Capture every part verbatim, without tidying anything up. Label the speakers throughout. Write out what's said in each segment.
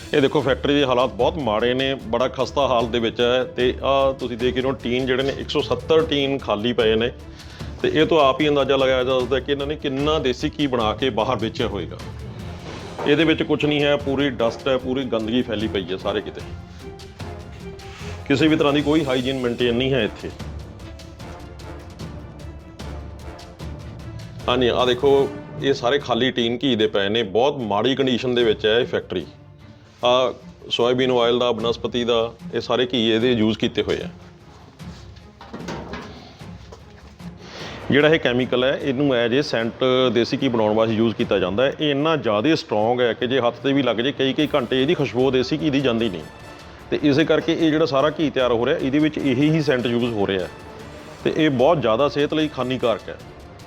Speaker 1: ਇਹ ਦੇਖੋ ਫੈਕਟਰੀ ਦੇ ਹਾਲਾਤ ਬਹੁਤ ਮਾੜੇ ਨੇ, ਬੜਾ ਖਸਤਾ ਹਾਲ ਦੇ ਵਿੱਚ ਹੈ। ਤੇ ਆਹ ਤੁਸੀਂ ਦੇਖ ਰਹੇ ਹੋ ਟੀਨ ਜਿਹੜੇ ਨੇ ਇੱਕ ਸੌ ਸੱਤਰ ਟੀਨ ਖਾਲੀ ਪਏ ਨੇ। ਤੇ ਇਹ ਤੋਂ ਆਪ ਹੀ ਅੰਦਾਜ਼ਾ ਲਗਾਇਆ ਜਾ ਸਕਦਾ ਕਿ ਇਹਨਾਂ ਨੇ ਕਿੰਨਾ ਦੇਸੀ ਘੀ ਬਣਾ ਕੇ ਬਾਹਰ ਵੇਚਿਆ ਹੋਏਗਾ। ਇਹਦੇ ਵਿੱਚ ਕੁਝ ਨਹੀਂ ਹੈ, ਪੂਰੀ ਡਸਟ ਹੈ, ਪੂਰੀ ਗੰਦਗੀ ਫੈਲੀ ਪਈ ਹੈ ਸਾਰੇ ਕਿਤੇ। ਕਿਸੇ ਵੀ ਤਰ੍ਹਾਂ ਦੀ ਕੋਈ ਹਾਈਜੀਨ ਮੇਨਟੇਨ ਨਹੀਂ ਹੈ ਇੱਥੇ। ਹਾਂਜੀ ਆਹ ਦੇਖੋ ਇਹ ਸਾਰੇ ਖਾਲੀ ਟੀਨ ਘੀ ਦੇ ਪਏ ਨੇ, ਬਹੁਤ ਮਾੜੀ ਕੰਡੀਸ਼ਨ ਦੇ ਵਿੱਚ ਹੈ ਇਹ ਫੈਕਟਰੀ। ਆ ਸੋਇਆਬੀਨ ਆਇਲ ਦਾ, ਬਨਸਪਤੀ ਦਾ, ਇਹ ਸਾਰੇ ਘੀ ਇਹਦੇ ਯੂਜ਼ ਕੀਤੇ ਹੋਏ ਆ। ਜਿਹੜਾ ਇਹ ਕੈਮੀਕਲ ਹੈ ਇਹਨੂੰ ਐਜ ਇਹ ਸੈਂਟ ਦੇਸੀ ਘੀ ਬਣਾਉਣ ਵਾਸਤੇ ਯੂਜ਼ ਕੀਤਾ ਜਾਂਦਾ ਹੈ। ਇਹ ਇੰਨਾ ਜ਼ਿਆਦਾ ਸਟਰੋਂਗ ਹੈ ਕਿ ਜੇ ਹੱਥ 'ਤੇ ਵੀ ਲੱਗ ਜੇ ਕਈ ਕਈ ਘੰਟੇ ਇਹਦੀ ਖੁਸ਼ਬੂ ਦੇਸੀ ਘੀ ਦੀ ਜਾਂਦੀ ਨਹੀਂ। ਤੇ ਇਸੇ ਕਰਕੇ ਇਹ ਜਿਹੜਾ ਸਾਰਾ ਘੀ ਤਿਆਰ ਹੋ ਰਿਹਾ ਇਹਦੇ ਵਿੱਚ ਇਹੀ ਹੀ ਸੈਂਟ ਯੂਜ਼ ਹੋ ਰਿਹਾ ਤੇ ਇਹ ਬਹੁਤ ਜ਼ਿਆਦਾ ਸਿਹਤ ਲਈ ਹਾਨੀਕਾਰਕ ਹੈ।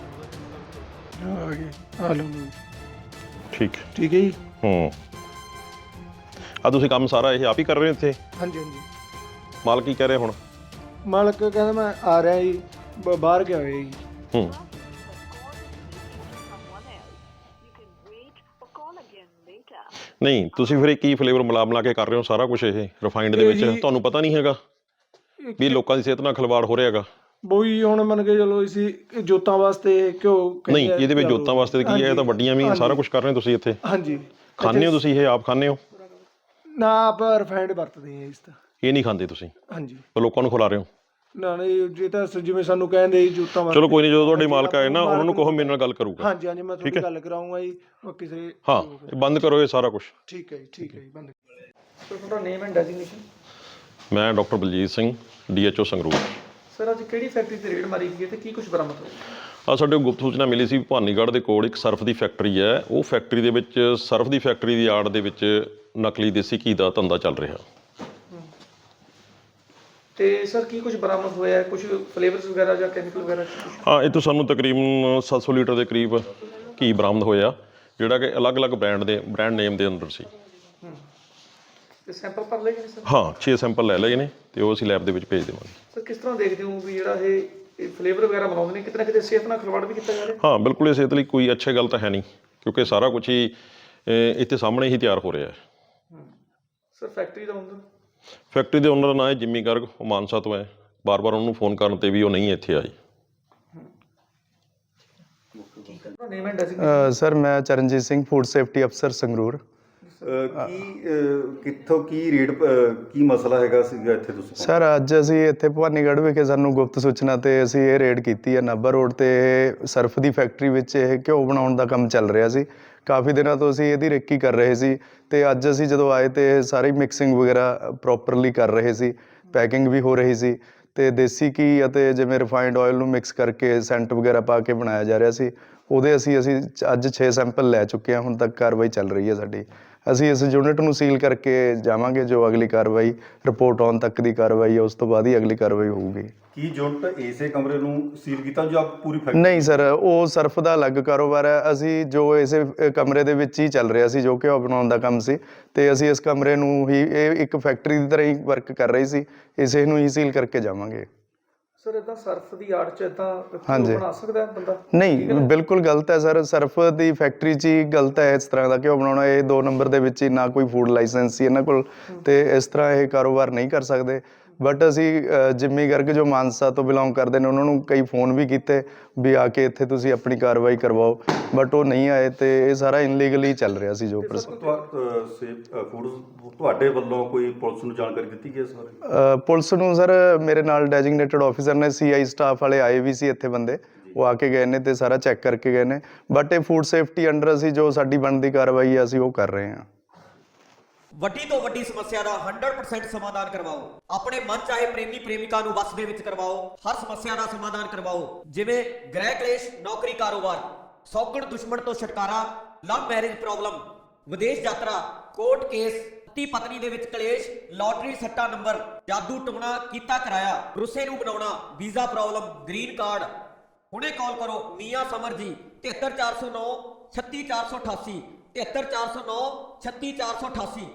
Speaker 1: ਠੀਕ
Speaker 2: ਠੀਕ ਹੈ ਜੀ।
Speaker 1: ਹੂੰ ਆ ਤੁਸੀਂ ਕੰਮ ਸਾਰਾ ਇਹ ਆਪ ਹੀ ਕਰ ਰਹੇ ਹੋ ਇੱਥੇ?
Speaker 2: ਹਾਂਜੀ ਹਾਂਜੀ।
Speaker 1: ਮਾਲਕ ਕੀ ਕਹਿ ਰਿਹਾ ਹੁਣ?
Speaker 2: ਮਾਲਕ ਕਹਿੰਦਾ ਮੈਂ ਆ ਰਿਹਾ ਜੀ, ਬ- ਬਾਹਰ ਗਿਆ ਹੋਇਆ ਜੀ।
Speaker 1: ਹੂੰ ਨਹੀਂ ਤੁਸੀਂ ਫਿਰ ਇਹ ਕੀ ਫਲੇਵਰ ਮਿਲਾ ਮਿਲਾ ਕੇ ਕਰ ਰਹੇ ਹੋ ਸਾਰਾ ਕੁਝ ਇਹ ਰਿਫਾਈਨਡ ਦੇ ਵਿੱਚ? ਤੁਹਾਨੂੰ ਪਤਾ ਨਹੀਂ ਹੈਗਾ ਵੀ ਲੋਕਾਂ ਦੀ ਸਿਹਤ ਨਾਲ ਖਿਲਵਾੜ ਹੋ ਰਿਹਾ ਹੈਗਾ?
Speaker 2: ਬੋਈ ਹੁਣ ਮੰਨ ਕੇ ਚਲੋ ਇਸੀ ਜੋਤਾਂ ਵਾਸਤੇ ਕਿਉਂ
Speaker 1: ਨਹੀਂ ਇਹਦੇ ਵਿੱਚ ਜੋਤਾਂ ਵਾਸਤੇ ਕੀ ਹੈ? ਇਹ ਤਾਂ ਵੱਡੀਆਂ ਵੀ ਸਾਰਾ ਕੁਝ ਕਰ ਰਹੇ ਹੋ ਤੁਸੀਂ ਇੱਥੇ।
Speaker 2: ਹਾਂਜੀ
Speaker 1: ਖਾਂਦੇ ਹੋ ਤੁਸੀਂ ਇਹ? ਆਪ ਖਾਂਦੇ ਹੋ?
Speaker 2: ਨਾ ਆਪ ਰਿਫਾਈਨਡ ਵਰਤਦੇ ਆ ਇਸ ਤਾਂ।
Speaker 1: ਇਹ ਨਹੀਂ ਖਾਂਦੇ ਤੁਸੀਂ?
Speaker 2: ਹਾਂਜੀ।
Speaker 1: ਲੋਕਾਂ ਨੂੰ ਖਿਲਾ ਰਹੇ ਹੋ?
Speaker 2: ਨਾ ਨਹੀਂ ਜੇ ਤਾਂ ਜਿਵੇਂ ਸਾਨੂੰ ਕਹਿੰਦੇ ਜੋਤਾਂ ਵਾਸਤੇ।
Speaker 1: ਚਲੋ ਕੋਈ ਨਹੀਂ, ਜਦੋਂ ਤੁਹਾਡੇ ਮਾਲਕ ਆਏ ਨਾ ਉਹਨਾਂ ਨੂੰ ਕਹੋ ਮੇਰੇ ਨਾਲ ਗੱਲ ਕਰੂਗਾ।
Speaker 2: ਹਾਂਜੀ ਹਾਂਜੀ ਮੈਂ ਤੁਹਾਡੀ ਗੱਲ ਕਰਾਉਂਗਾ ਜੀ। ਕਿਸੇ
Speaker 1: ਹਾਂ ਬੰਦ ਕਰੋ ਇਹ ਸਾਰਾ ਕੁਝ।
Speaker 2: ਠੀਕ ਹੈ ਜੀ ਠੀਕ ਹੈ ਜੀ ਬੰਦ। ਸਰ ਤੁਹਾਡਾ ਨੇਮ ਐਂਡ ਡੈਜ਼ਿਗਨੇਸ਼ਨ?
Speaker 1: ਮੈਂ doctor Baljit Singh, D H O Sangrur.
Speaker 2: Sir ਅੱਜ ਕਿਹੜੀ ਫੈਕਟਰੀ ਤੇ ਰੇਡ ਮਾਰੀ ਗਈ ਹੈ ਤੇ ਕੀ ਕੁਝ ਬਰਾਮਦ ਹੋਇਆ?
Speaker 1: ਆ ਸਾਡੇ ਗੁਪਤ ਸੂਚਨਾ ਮਿਲੀ ਸੀ ਭਵਾਨੀਗੜ੍ਹ ਦੇ ਕੋਲ ਇੱਕ ਸਰਫ ਦੀ ਫੈਕਟਰੀ ਹੈ। ਉਹ ਫੈਕਟਰੀ ਦੇ ਵਿੱਚ ਸਰਫ ਦੀ ਫੈਕਟਰੀ ਦੀ ਆੜ ਦੇ ਵਿੱਚ ਨਕਲੀ ਦੇਸੀ ਘੀ ਦਾ ਧੰਦਾ ਚੱਲ ਰਿਹਾ।
Speaker 2: ਤੇ ਸਰ ਕੀ ਕੁਝ ਬਰਾਮਦ ਹੋਇਆ? ਕੁਝ ਫਲੇਵਰਸ ਵਗੈਰਾ ਜਾਂ ਕੈਮੀਕਲ ਵਗੈਰਾ?
Speaker 1: ਹਾਂ ਇਹ ਤੋਂ ਸਾਨੂੰ ਤਕਰੀਬਨ ਸੱਤ ਸੌ ਲੀਟਰ ਦੇ ਕਰੀਬ ਘੀ ਬਰਾਮਦ ਹੋਇਆ, ਜਿਹੜਾ ਕਿ ਅਲੱਗ-ਅਲੱਗ ਬ੍ਰਾਂਡ ਦੇ ਬ੍ਰਾਂਡ ਨੇਮ ਦੇ ਅੰਦਰ ਸੀ।
Speaker 2: ਤੇ ਸੈਂਪਲ ਭਰ ਲਏ ਗਏ ਸਰ?
Speaker 1: ਹਾਂ ਛੇ ਸੈਂਪਲ ਲੈ ਲਏ ਨੇ ਤੇ ਉਹ ਅਸੀਂ ਲੈਬ ਦੇ ਵਿੱਚ ਭੇਜ ਦੇਵਾਂਗੇ।
Speaker 2: ਸਰ ਕਿਸ ਤਰ੍ਹਾਂ ਦੇਖਦੇ ਹੋ ਵੀ ਜਿਹੜਾ ਇਹ ਫਲੇਵਰ ਵਗੈਰਾ ਬਣਾਉਂਦੇ ਨੇ ਕਿਤੇ ਨਾ ਕਿਤੇ ਸਿਹਤ ਨਾਲ ਖਿਲਵਾੜ ਵੀ ਕੀਤਾ ਜਾ ਰਿਹਾ?
Speaker 1: ਹਾਂ ਬਿਲਕੁਲ ਇਹ ਸਿਹਤ ਲਈ ਕੋਈ ਅੱਛੀ ਗੱਲ ਤਾਂ ਹੈ ਨਹੀਂ, ਕਿਉਂਕਿ ਸਾਰਾ ਕੁਝ ਹੀ ਇੱਥੇ ਸਾਹਮਣੇ ਹੀ ਤਿਆਰ ਹੋ ਰਿਹਾ ਹੈ।
Speaker 2: ਸਰ ਫੈਕਟਰੀ ਦਾ ਓਨਰ?
Speaker 1: ਫੈਕਟਰੀ ਦੇ ਓਨਰ ਦਾ ਨਾਂ ਹੈ ਜਿੰਮੀ ਗਰਗ, ਉਹ ਮਾਨਸਾ ਤੋਂ ਹੈ। ਬਾਰ-ਬਾਰ ਉਹਨੂੰ ਫੋਨ ਕਰਨ 'ਤੇ ਵੀ ਉਹ ਨਹੀਂ ਇੱਥੇ ਆਈ।
Speaker 3: ਸਰ ਮੈਂ ਚਰਨਜੀਤ ਸਿੰਘ, ਫੂਡ ਸੇਫਟੀ ਅਫਸਰ ਸੰਗਰੂਰ।
Speaker 4: ਕੀ ਕਿੱਥੋਂ ਕੀ ਰੇਟ ਕੀ ਮਸਲਾ ਹੈਗਾ ਸੀਗਾ ਇੱਥੇ ਤੁਸੀਂ?
Speaker 3: ਸਰ ਅੱਜ ਅਸੀਂ ਇੱਥੇ ਭਵਾਨੀਗੜ੍ਹ ਵਿਖੇ ਸਾਨੂੰ ਗੁਪਤ ਸੂਚਨਾ ਤੇ ਅਸੀਂ ਇਹ ਰੇਡ ਕੀਤੀ ਹੈ। ਨਾਭਾ ਰੋਡ ਤੇ ਸਰਫ ਦੀ ਫੈਕਟਰੀ ਵਿੱਚ ਇਹ ਘਿਓ ਬਣਾਉਣ ਦਾ ਕੰਮ ਚੱਲ ਰਿਹਾ ਸੀ। ਕਾਫੀ ਦਿਨਾਂ ਤੋਂ ਅਸੀਂ ਇਹਦੀ ਰੇਕੀ ਕਰ ਰਹੇ ਸੀ ਤੇ ਅੱਜ ਅਸੀਂ ਜਦੋਂ ਆਏ ਤੇ ਸਾਰੀ ਮਿਕਸਿੰਗ ਵਗੈਰਾ ਪ੍ਰੋਪਰਲੀ ਕਰ ਰਹੇ ਸੀ, ਪੈਕਿੰਗ ਵੀ ਹੋ ਰਹੀ ਸੀ ਤੇ ਦੇਸੀ ਘੀ ਅਤੇ ਜਿਵੇਂ ਰਿਫਾਈਨਡ ਆਇਲ ਨੂੰ ਮਿਕਸ ਕਰਕੇ ਸੈਂਟ ਵਗੈਰਾ ਪਾ ਕੇ ਬਣਾਇਆ ਜਾ ਰਿਹਾ ਸੀ। ਉਹਦੇ ਅਸੀਂ ਅਸੀਂ ਅੱਜ ਛੇ ਸੈਂਪਲ ਲੈ ਚੁੱਕੇ ਹਾਂ। ਹੁਣ ਤੱਕ ਕਾਰਵਾਈ ਚੱਲ ਰਹੀ ਹੈ ਸਾਡੀ। ਅਸੀਂ ਇਸ ਯੂਨਿਟ ਨੂੰ ਸੀਲ ਕਰਕੇ ਜਾਵਾਂਗੇ। ਜੋ ਅਗਲੀ ਕਾਰਵਾਈ ਰਿਪੋਰਟ ਆਉਣ ਤੱਕ ਦੀ ਕਾਰਵਾਈ ਹੈ ਉਸ ਤੋਂ ਬਾਅਦ ਹੀ ਅਗਲੀ ਕਾਰਵਾਈ ਹੋਊਗੀ।
Speaker 4: ਕੀ ਯੂਨਿਟ ਇਸੇ ਕਮਰੇ ਨੂੰ ਸੀਲ ਕੀਤਾ ਜੋ ਆਪ ਪੂਰੀ ਫੈਕਟਰੀ?
Speaker 3: ਨਹੀਂ ਸਰ, ਉਹ ਸਰਫ ਦਾ ਅਲੱਗ ਕਾਰੋਬਾਰ ਹੈ। ਅਸੀਂ ਜੋ ਇਸੇ ਕਮਰੇ ਦੇ ਵਿੱਚ ਹੀ ਚੱਲ ਰਿਹਾ ਸੀ, ਜੋ ਘਿਓ ਬਣਾਉਣ ਦਾ ਕੰਮ ਸੀ, ਤੇ ਅਸੀਂ ਇਸ ਕਮਰੇ ਨੂੰ ਹੀ ਇਹ ਇੱਕ ਫੈਕਟਰੀ ਦੀ ਤਰ੍ਹਾਂ ਹੀ ਵਰਕ ਕਰ ਰਹੀ ਸੀ, ਇਸੇ ਨੂੰ ਹੀ ਸੀਲ ਕਰਕੇ ਜਾਵਾਂਗੇ।
Speaker 2: ਸਰ ਇਦਾਂ ਸਰਫ ਦੀ ਆੜ 'ਚ ਇਦਾਂ ਬਣਾ ਸਕਦਾ ਬੰਦਾ?
Speaker 3: ਨਹੀਂ ਬਿਲਕੁਲ ਗਲਤ ਹੈ ਸਰ। ਸਰਫ ਦੀ ਫੈਕਟਰੀ 'ਚ ਹੀ ਗਲਤ ਹੈ ਇਸ ਤਰ੍ਹਾਂ ਦਾ ਘਿਓ ਬਣਾਉਣਾ। ਇਹ ਦੋ ਨੰਬਰ ਦੇ ਵਿੱਚ ਹੀ ਨਾ ਕੋਈ ਫੂਡ ਲਾਇਸੈਂਸ ਸੀ ਇਹਨਾਂ ਕੋਲ, ਤੇ ਇਸ ਤਰ੍ਹਾਂ ਇਹ ਕਾਰੋਬਾਰ ਨਹੀਂ ਕਰ ਸਕਦੇ। ਬਟ ਅਸੀਂ ਜਿੰਮੀ ਗਰਗ ਜੋ ਮਾਨਸਾ ਤੋਂ ਬਿਲੋਂਗ ਕਰਦੇ ਨੇ ਉਹਨਾਂ ਨੂੰ ਕਈ ਫੋਨ ਵੀ ਕੀਤੇ ਵੀ ਆ ਕੇ ਇੱਥੇ ਤੁਸੀਂ ਆਪਣੀ ਕਾਰਵਾਈ ਕਰਵਾਓ, ਬਟ ਉਹ ਨਹੀਂ ਆਏ ਤੇ ਇਹ ਸਾਰਾ ਇਨਲੀਗਲੀ ਚੱਲ ਰਿਹਾ ਸੀ। ਜੋ
Speaker 4: ਫੂਡ ਤੁਹਾਡੇ ਵੱਲੋਂ ਕੋਈ ਪੁਲਿਸ ਨੂੰ ਜਾਣਕਾਰੀ ਦਿੱਤੀ ਗਈ ਇਸ ਬਾਰੇ?
Speaker 3: ਪੁਲਿਸ ਨੂੰ ਸਰ ਮੇਰੇ ਨਾਲ ਡੈਜ਼ਿਗਨੇਟਡ ਆਫੀਸਰ ਨੇ, ਸੀ ਆਈ ਸਟਾਫ ਵਾਲੇ ਆਏ ਵੀ ਸੀ ਇੱਥੇ ਬੰਦੇ, ਉਹ ਆ ਕੇ ਗਏ ਨੇ ਤੇ ਸਾਰਾ ਚੈੱਕ ਕਰਕੇ ਗਏ ਨੇ। ਬਟ ਇਹ ਫੂਡ ਸੇਫਟੀ ਅੰਡਰ ਅਸੀਂ ਜੋ ਸਾਡੀ ਬਣਦੀ ਕਾਰਵਾਈ ਹੈ ਅਸੀਂ ਉਹ ਕਰ ਰਹੇ ਹਾਂ।
Speaker 5: ਵੱਡੀ ਤੋਂ ਵੱਡੀ ਸਮੱਸਿਆ ਦਾ ਸੌ ਪਰਸੈਂਟ ਸਮਾਧਾਨ ਕਰਵਾਓ। ਆਪਣੇ ਮਨ ਚਾਹੇ ਪ੍ਰੇਮੀ ਪ੍ਰੇਮਿਕਾ ਨੂੰ ਵਸ ਦੇ ਵਿੱਚ ਕਰਵਾਓ। ਹਰ ਸਮੱਸਿਆ ਦਾ ਸਮਾਧਾਨ ਕਰਵਾਓ, ਜਿਵੇਂ ਗ੍ਰਹਿ ਕਲੇਸ਼, ਨੌਕਰੀ, ਕਾਰੋਬਾਰ, ਸੌਗਣ ਦੁਸ਼ਮਣ ਤੋਂ ਛੁਟਕਾਰਾ, ਲਵ ਮੈਰਿਜ ਪ੍ਰੋਬਲਮ, ਵਿਦੇਸ਼ ਯਾਤਰਾ, ਕੋਰਟ ਕੇਸ, ਪਤੀ ਪਤਨੀ ਦੇ ਵਿੱਚ ਕਲੇਸ਼, ਲਾਟਰੀ ਸੱਟਾ ਨੰਬਰ, ਜਾਦੂ ਟੋਣਾ ਕੀਤਾ ਕਰਾਇਆ, ਰੁੱਸੇ ਨੂੰ ਬਣਾਉਣਾ, ਵੀਜ਼ਾ ਪ੍ਰੋਬਲਮ, ਗ੍ਰੀਨ ਕਾਰਡ। ਹੁਣੇ ਕਾਲ ਕਰੋ ਮੀਆਂ ਸਮਰ ਜੀ, ਤਿਹੱਤਰ ਚਾਰ ਸੌ ਨੌ ਛੱਤੀ ਚਾਰ ਸੌ ਅਠਾਸੀ, ਤਿਹੱਤਰ ਚਾਰ ਸੌ ਨੌ ਛੱਤੀ ਚਾਰ ਸੌ ਅਠਾਸੀ।